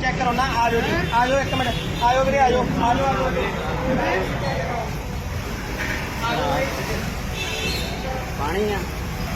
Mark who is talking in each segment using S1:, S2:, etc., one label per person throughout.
S1: check करो ना आ जाओ एक मिनट आयो वीरे आ जाओ
S2: पानी है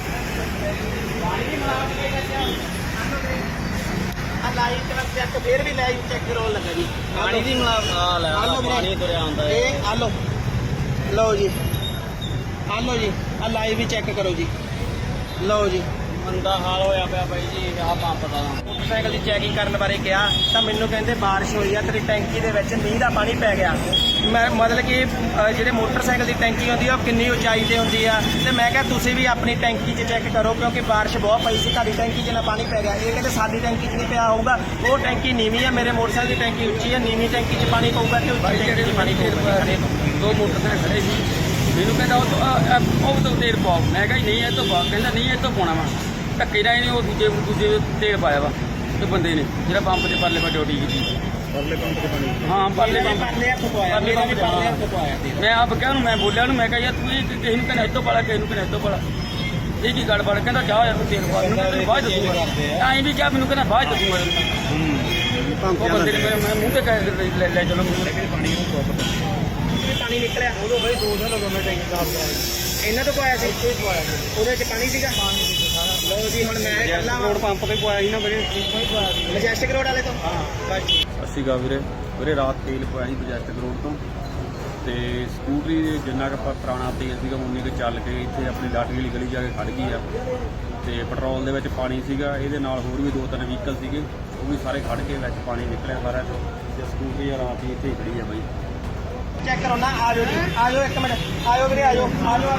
S1: लाइट चेक फिर भी लाइट चेक करो लगा जी
S2: पानी की पानी तुरया आंदा है
S1: आ लो जी आ लो जी आ लाइव भी चेक करो जी लो जी
S2: मंदा हाल होया पिया भाई जी आह पंप दा
S1: मोटरसाइकिल की चैकिंग करने बारे कहा तो मैनू कहते बारिश हुई है तेरी टैंकी के मीह का पानी पै गया मैं मतलब कि जो मोटरसाइकिल की टैंकी होती है कितनी उचाई से होती है तो मैं क्या तुम भी अपनी टैंकी चेक करो क्योंकि बारिश बहुत पई सी साडी टैंकी च ना पानी पै गया ये कहते साडी टैंकी च नहीं पिया होगा वो टैंकी नीवी है मेरे मोटरसाइकिल की टैंकी उच्ची है नीवी टैंकी च पानी पऊगा तो उच्ची टैंकी च पानी पऊगा
S3: दो मोटरसाइकिल खड़े सी मैनू कहता ਉਹ ਤੋਂ ਤੇਲ ਪਾਓ ਮੈਂ ਕਿਹਾ ਨਹੀਂ ਇਹ ਤੋਂ ਪਾ ਕਹਿੰਦਾ ਨਹੀਂ ਇਹ ਤੋਂ ਪਾਉਣਾ ਵਾ ਧੱਕੇ ਨਾਲ ਇਹਨੇ ਉਹ ਦੂਜੇ ਤੇਲ ਪਾਇਆ ਵਾ ਤੇ ਬੰਦੇ ਨੇ ਜਿਹੜਾ ਪੰਪ ਦੇ ਪਰਲੇ ਪਾ ਡਿਊਟੀ ਕੀਤੀ
S2: परले पंप के पानी
S3: ਹਾਂ ਪਰਲੇ ਪੰਪ
S1: परले हत्थ पवाया मेरा भी परले हत्थ पवाया
S3: ਮੈਂ ਆਪ ਕਿਹਾ ਉਹਨੂੰ ਮੈਂ ਬੋਲਿਆ ਉਹਨੂੰ ਮੈਂ ਕਿਹਾ ਯਾਰ ਤੂੰ ਇਹ ਕਿਸੇ ਨੂੰ ਕਹਿੰਦਾ ਇੱਥੋਂ ਪਾਲਾ ਕਿਸੇ ਨੂੰ ਕਹਿੰਦਾ ਇੱਥੋਂ ਪਾਲਾ ਇਹ ਕੀ ਗੱਲ ਬਣ ਕਹਿੰਦਾ ਜਾ ਯਾਰ ਤੇਲ ਪਾ ਮੈਨੂੰ ਕਹਿੰਦਾ ਬਾਅਦ ਦੱਸੂਗਾ ਐਂ ਵੀ ਕਿਹਾ ਮੈਨੂੰ ਕਹਿੰਦਾ ਬਾਅਦ ਦੱਸੂਗਾ
S2: पंप
S3: ਉਹ ਬੰਦੇ ਨੇ ਮੈਂ ਮੂੰਹ ਤੇ ਕਹਿ ਲੈ ਚਲੋ
S2: पानी
S1: ਪਾਣੀ ਨਿਕਲਿਆ ਉਦੋਂ ਬਈ 2 ਦਿਨ ਹੋ ਗਏ ਮੈਂ ਟੈਂਕੀ ਸਾਫ ਕਰਾਈ ਇਹਨਾਂ ਤੋਂ ਪਾਇਆ ਸੀ ਉਹਦੇ ਚ ਪਾਣੀ ਸੀਗਾ ਲਓ ਜੀ ਹੁਣ ਮੈਂ ਇਕੱਲਾ
S2: रोड पंप पे पाया ही ना मेरे
S1: ਮੈਜੈਸਟਿਕ ਰੋਡ ਵਾਲੇ ਤੋਂ ਬਸ ਜੀ
S4: ਅਸੀਂ ਗਾ ਵੀਰੇ ਰਾਤ ਤੇਲ ਪਾਇਆ ਸੀ ਪ੍ਰੋਜੈਕਟ ਰੋਡ ਤੋਂ ਤੇ ਸਕੂਟਰੀ ਜਿੰਨਾ ਕੁ ਪੁਰਾਣਾ ਤੇਲ ਸੀਗਾ ਉਨੀ ਕੁ ਚੱਲ ਕੇ ਇੱਥੇ ਆਪਣੀ ਲਾਟਰੀ ਵਾਲੀ ਗਲੀ ਜਾ ਕੇ ਖੜ ਗਈ ਆ ਤੇ ਪੈਟਰੋਲ ਦੇ ਵਿੱਚ ਪਾਣੀ ਸੀਗਾ ਇਹਦੇ ਨਾਲ ਹੋਰ ਵੀ 2-3 ਵਹੀਕਲ ਸੀਗੇ ਉਹ ਵੀ ਸਾਰੇ ਖੜ ਕੇ ਵਿੱਚ ਪਾਣੀ ਨਿਕਲਿਆ ਸਾਰਾ ਤੇ ਸਕੂਟਰੀ ਆ ਰਾਤ ਦੀ ਇੱਥੇ ਹੀ ਖੜੀ ਆ ਬਾਈ
S1: ਚੈੱਕ ਕਰੋ ਨਾ ਆ ਜਾਓ ਇੱਕ ਮਿੰਟ ਆਇਓ ਵੀਰੇ ਆ ਜਾਓ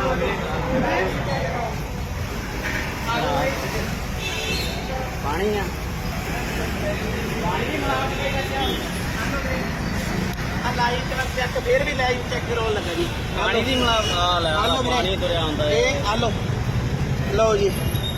S2: पानी है
S1: ਲਾਈਟ ਚੈੱਕ ਫਿਰ ਵੀ ਲਾਈਟ ਚੈੱਕ ਕਰੋ ਲੱਗਾ ਜੀ
S2: पानी की पानी तुरया आंदा है
S1: ਆ ਲਓ ਜੀ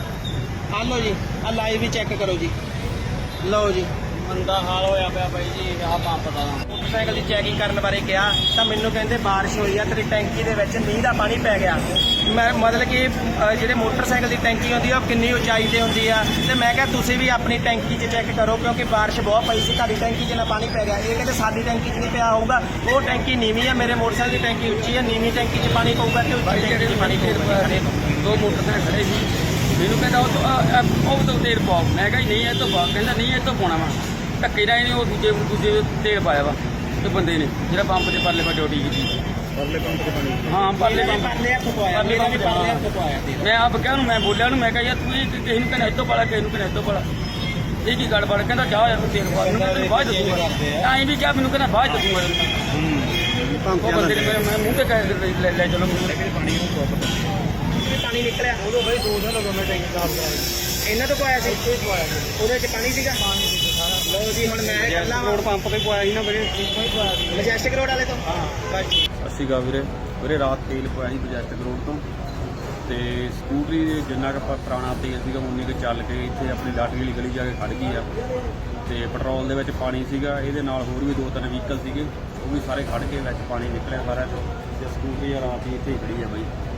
S1: ਆ ਲਾਈਵ ਵੀ ਚੈੱਕ ਕਰੋ ਜੀ ਲਓ ਜੀ
S2: मंदा हाल होया पिया भाई जी आह पंप दा
S1: मोटरसाइकिल की चैकिंग करने बारे कहा तो मैनू कहते बारिश हुई है तेरी टैंकी के मीह का पानी पै गया मैं मतलब कि जो मोटरसाइकिल की टैंकी होती है कितनी उचाई से होती है तो मैं क्या तुम भी अपनी टैंकी चेक करो क्योंकि बारिश बहुत पई सी साडी टैंकी च ना पानी पै गया ये कहते साडी टैंकी च नहीं पिया होगा वो टैंकी नीवी है मेरे मोटरसाइकिल की टैंकी उच्ची है नीवी टैंकी च पानी पऊगा तो उच्ची टैंकी च पानी पऊगा
S3: ਦੋ ਮੋਟਰਸਾਈਕਲ ਖੜੇ ਸੀ ਮੈਨੂੰ ਕਹਿੰਦਾ ਉਹ ਤੋਂ ਤੇਲ ਪਾਓ ਮੈਂ ਕਿਹਾ ਨਹੀਂ ਇਹ ਤੋਂ ਪਾ ਕਹਿੰਦਾ ਨਹੀਂ ਇਹ ਤੋਂ ਪਾਉਣਾ ਵਾ ਧੱਕੇ ਨਾਲ ਇਹਨੇ ਉਹ ਦੂਜੇ ਤੇਲ ਪਾਇਆ ਵਾ ਤੇ ਬੰਦੇ ਨੇ ਜਿਹੜਾ ਪੰਪ ਦੇ ਪਰਲੇ ਪਾ ਡਿਊਟੀ ਕੀਤੀ
S2: परले पंप के पानी
S3: ਹਾਂ ਪਰਲੇ ਪੰਪ
S1: परले हत्थ पवाया मेरा भी परले हत्थ पवाया
S3: ਮੈਂ ਆਪ ਕਿਹਾ ਉਹਨੂੰ ਮੈਂ ਬੋਲਿਆ ਉਹਨੂੰ ਮੈਂ ਕਿਹਾ ਯਾਰ ਤੂੰ ਇਹ ਕਿਸੇ ਨੂੰ ਕਹਿੰਦਾ ਇੱਥੋਂ ਪਾਲਾ ਕਿਸੇ ਨੂੰ ਕਹਿੰਦਾ ਇੱਥੋਂ ਪਾਲਾ ਇਹ ਕੀ ਗੱਲ ਬਣ ਕਹਿੰਦਾ ਜਾ ਯਾਰ ਤੇਲ ਪਾ ਮੈਨੂੰ ਕਹਿੰਦਾ ਬਾਅਦ ਦੱਸੂਗਾ ਐਂ ਵੀ ਕਿਹਾ ਮੈਨੂੰ ਕਹਿੰਦਾ ਬਾਅਦ ਦੱਸੂਗਾ
S2: पंप
S3: ਉਹ ਬੰਦੇ ਨੇ ਮੈਂ ਮੂੰਹ ਤੇ ਕਹਿ ਲੈ ਚਲੋ
S2: पानी
S1: ਪਾਣੀ ਨਿਕਲਿਆ ਉਦੋਂ ਬਈ 2 ਦਿਨ ਹੋ ਗਏ ਮੈਂ ਟੈਂਕੀ ਸਾਫ ਕਰਾਈ ਇਹਨਾਂ ਤੋਂ ਪਾਇਆ ਸੀ ਉਹਦੇ ਚ ਪਾਣੀ ਸੀਗਾ ਲਓ ਜੀ ਹੁਣ ਮੈਂ ਇਕੱਲਾ
S2: रोड पंप पे पाया ही ना मेरे
S1: ਮੈਜੈਸਟਿਕ ਰੋਡ ਵਾਲੇ ਤੋਂ ਬਸ ਜੀ
S4: ਅਸੀਂ ਗਾ ਵੀਰੇ ਰਾਤ ਤੇਲ ਪਾਇਆ ਸੀ ਪ੍ਰੋਜੈਕਟ ਰੋਡ ਤੋਂ ਤੇ ਸਕੂਟਰੀ ਜਿੰਨਾ ਕੁ ਪੁਰਾਣਾ ਤੇਲ ਸੀਗਾ ਉਨੀ ਕੁ ਚੱਲ ਕੇ ਇੱਥੇ ਆਪਣੀ ਲਾਟਰੀ ਵਾਲੀ ਗਲੀ ਜਾ ਕੇ ਖੜ ਗਈ ਆ ਤੇ ਪੈਟਰੋਲ ਦੇ ਵਿੱਚ ਪਾਣੀ ਸੀਗਾ ਇਹਦੇ ਨਾਲ ਹੋਰ ਵੀ 2-3 ਵਹੀਕਲ ਸੀਗੇ ਉਹ ਵੀ ਸਾਰੇ ਖੜ ਕੇ ਵਿੱਚ ਪਾਣੀ ਨਿਕਲਿਆ ਸਾਰਾ ਤੇ ਸਕੂਟਰੀ ਆ ਰਾਤ ਦੀ ਇੱਥੇ ਹੀ ਖੜੀ ਆ ਬਾਈ